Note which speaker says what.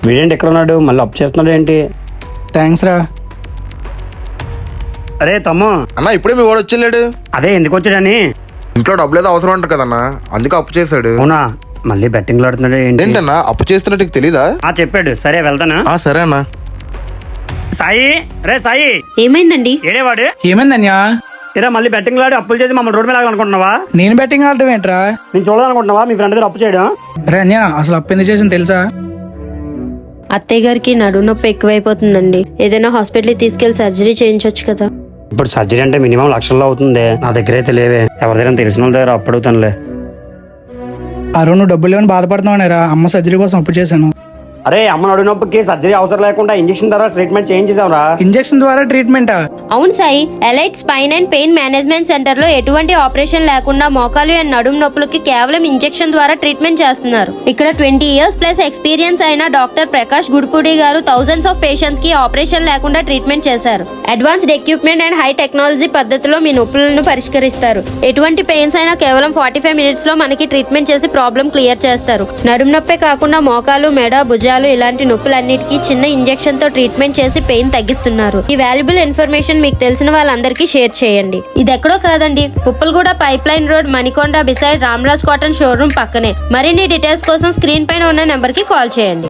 Speaker 1: వీడేంటి ఎక్కడ ఉన్నాడు? మళ్ళీ అప్పు చేస్తున్నాడు ఏంటి?
Speaker 2: థ్యాంక్స్ రా.
Speaker 1: అరే తమ్ము,
Speaker 3: అన్న ఇప్పుడే మీ వాడు వచ్చేళ్ళాడు.
Speaker 1: అదే ఎందుకు వచ్చాడని.
Speaker 3: ఇంట్లో డబ్బులు ఏదో అవసరం అంటారు కదన్నా, అందుకే అప్పు చేశాడు.
Speaker 1: అవునా? మళ్ళీ బెట్టింగ్ ఆడుతున్నాడు ఏంటి?
Speaker 3: ఏంటన్నా అప్పు చేస్తున్నట్టు తెలీదా?
Speaker 1: చెప్పాడు. సరే వెళ్తానా?
Speaker 3: సరే అన్న.
Speaker 1: సాయి, రే సాయి,
Speaker 4: ఏమైందండి?
Speaker 1: ఏడేవాడు?
Speaker 2: ఏమైందన్యా?
Speaker 1: ఇరా మళ్ళీ బెట్టింగ్ ఆడి అప్పులు చేసి మమ్మల్ని రోడ్డు మీద అనుకుంటున్నావా?
Speaker 2: నేను బెట్టింగ్ ఆడటం ఏంట్రా?
Speaker 1: నేను చూడాలనుకుంటున్నావా మీ ఫ్రెండ్ దగ్గర అప్పు చేయడం?
Speaker 2: రే అన్యా, అసలు అప్పు ఎందుకు చేసింది తెలుసా?
Speaker 4: అత్తయ్య గారికి నడుము నొప్పి ఎక్కువైపోతుందండి. ఏదైనా హాస్పిటల్కి తీసుకెళ్లి సర్జరీ చేయించొచ్చు కదా.
Speaker 1: ఇప్పుడు సర్జరీ అంటే మినిమం లక్షల్లో అవుతుంది. నా దగ్గర అయితే లేవే. ఎవరి దగ్గర తెలిసిన వాళ్ళ దగ్గర అప్పు అడుగుతానులే.
Speaker 2: అరుణ్ నువ్వు డబ్బులు లేవని బాధపడుతున్నావునేరా, అమ్మ సర్జరీ కోసం అప్పు చేశాను.
Speaker 1: అరే అమ్మ నడు నొప్పికి సర్జరీ అవసరం లేకుండా ఇంజక్షన్ ద్వారా ట్రీట్మెంట్ చేయించేసావురా.
Speaker 2: ఇంజెక్షన్ ద్వారా ట్రీట్మెంటా?
Speaker 4: అవును Sai, elite spine and pain management centre లో ఎటువంటి ఆపరేషన్ లేకుండా మోకాలు అండ్ నడుము నొప్పులకి కేవలం ఇంజెక్షన్ ద్వారా ట్రీట్మెంట్ చేస్తున్నారు. ఇక్కడ 20 years ప్లస్ ఎక్స్పీరియన్స్ అయిన డాక్టర్ ప్రకాష్ గుడిపూడి గారు థౌసండ్స్ ఆఫ్ పేషెంట్స్ కి ఆపరేషన్ లేకుండా ట్రీట్మెంట్ చేశారు. Advanced equipment and high technology పద్ధతిలో మీ నొప్పులను పరిష్కరిస్తారు. ఎటువంటి పెయిన్స్ అయినా కేవలం 45 minutes లో మనకి ట్రీట్మెంట్ చేసి ప్రాబ్లం క్లియర్ చేస్తారు. నడుము నొప్పే కాకుండా మోకాలు, మెడ, భుజాలు ఇలాంటి నొప్పులన్నిటికీ చిన్న ఇంజెక్షన్ తో ట్రీట్మెంట్ చేసి పెయిన్ తగ్గిస్తున్నారు. ఈ వాల్యుబుల్ ఇన్ఫర్మేషన్ మీకు తెలిసిన వాళ్ళందరికీ షేర్ చేయండి. ఇది ఎక్కడో కాదండి, Puppalaguda pipeline road, Manikonda beside Ramraj cotton showroom పక్కనే. మరిన్ని డీటెయిల్స్ కోసం స్క్రీన్ పైన ఉన్న నెంబర్ కి కాల్ చేయండి.